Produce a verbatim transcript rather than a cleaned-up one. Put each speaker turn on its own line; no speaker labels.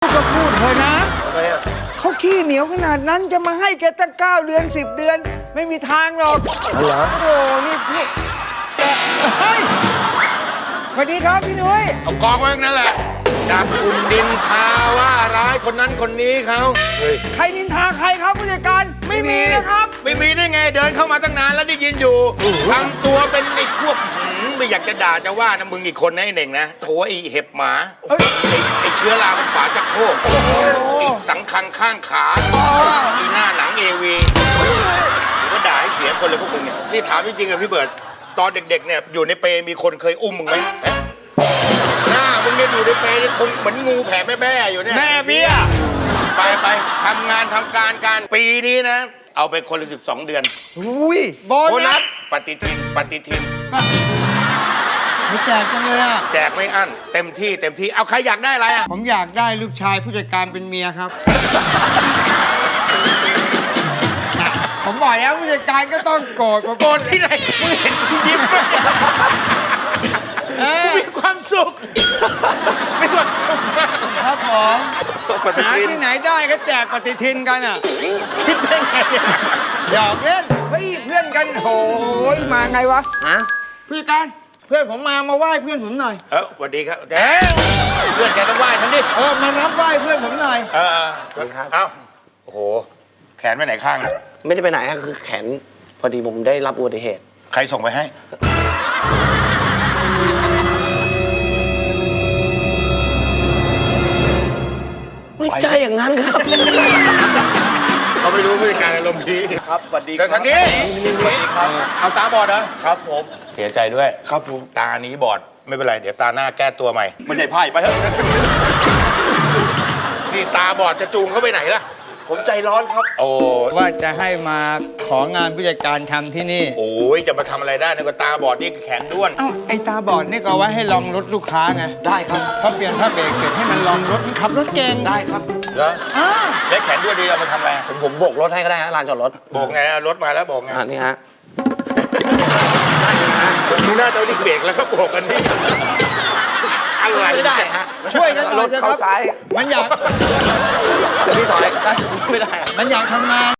ก็พูดเถอะนะเขาขี้เหนียวขนาดนั้นจะมาให้แกตั้งเก้าเดือนสิบเดือนไม่มีทางหรอกเหรอโอ้โหนี่พี่เฮ้ยสวัสดีครับพี่นุ้ย
เอากองไว้นั่นแหละจับคุณดินทาว่าร้ายคนนั้นคนนี้เขาเฮ้ย
ใครนินทาใครครับผู้จัดการไม่มีนะครับ
ไม่มีได้ไงเดินเข้ามาตั้งนานแล้วได้ยินอยู่ทำตัวเป็นไอ้พวกหืมไม่อยากจะด่าจะว่านะมึงอีกคนนะไอ้เน่งนะโถไอ้เห็บหมาไอ้ไอ้เชื้อราบนฝาชักโครกไอ้สังคังข้างขาไอ้หน้าหนังเอวีหรือว่าด่าให้เสียคนเลยพวกมึงเนี่ยนี่ถามจริงๆอะพี่เบิร์ดตอนเด็กๆเนี่ยอยู่ในเปรมีคนเคยอุ้มมึงไหมหน้ามึงเนี่ยอยู่ในเปรนี่คงเหมือนงูแผ่แม่แม่อยู่เนี่ย
แม่เบี้ย
ไปไปทำงานทำการการปีนี้นะ เอาไปคนละสิบสองเดือน
อุ้ยโบ
โบ
นั
นั
ส
สปฏิทินปฏิทิน
ไม่แจกจังเลยอ่ะ
แจกไม่อั้นเต็มที่เต็มที่เอาใครอยากได้อะไรอ่ะ
ผมอยากได้ลูกชายผู้จัดการเป็นเมียครับ ผมบอกแล้วผู้จัดการก็ต้องโกรธผม
โกรธที่ไหนมึงเห็นกูยิ้มไหม
เออ
มีความสุขมีความสุขมาก
ครับผม
ปฏิ
หา
ทิน
ที่ไหนได้ก็แจกปฏิทินกันอ่ะ
คิดได้ไงเนี่ย
หยอกเล่นเฮ้ยเพื่อนกันโอ้ยมาไงวะ
ฮะ
ผู้จัดการเพื่อนผมมามาไหว้เพื่อนผมหน่อย
เออสวัสดีครับเด้เพื่อนแกต้องไหว้ฉันดิ
เออมารับไหว้เพื่อนผมหน่อย
เออเออเอ้าโอ้โหแขนไปไหนข้างเนี่ย
ไม่ได้ไปไหนฮะคือแขนพอดีผมได้รับอุบัติเหตุ
ใครส่งไปให้
ไม่ใช่อย่างนั้นครับ
เขาไม่รู้ผู้จัดการอารมณ์ดี
ครับสวัสดี
แต่ทางนี้เอาตาบอดเหรอ
ครับผม
เสียใจด้วย
ครับผม
ตานี้บอดไม่เป็นไร เดี๋ยวตาหน้าแก้ตัวใหม่
มันใหญ่ไพ่ไปเถอะ
นี่ตาบอดจะจูงเขาไปไหนล่ะ
ผมใจร้อนครับ
โอ้
ว่าจะให้มาของานผู้จัดการทำที่นี่
โอ้ยจะมาทำอะไรได้เนี่ยก็ตาบอดนี่แขนด้วน
เอ้าไอ้ตาบอดนี่ก็เอาไว้ให้ลองรถลูกค้าไง
ได้ครับ
พอเปลี่ยนผ้าเบรกเสร็จให้มันลองรถมันขับรถเก่ง
ได้ครับ
เหรอ
อ่า
แล้วแขนด้วนดีเอามาทำอะไร
ผมผมโบกรถให้ก็ได้ฮะลานจอดรถ
โบกไงเอารถมาแล้วโบกไง
อ่านี่ฮะ
ดูหน้าเจ้านี่เบรกแล้วก็โบกกันนี่อะไร
ไม่ได้ฮะ
ช่วยกันหน่
ร
อย
ถ
เถอะค
เข้า
รับ
ซ้าย
มันอยาก
เดี๋ยวพี่ถอยไม่ได้อะ
มันอยากทำงาน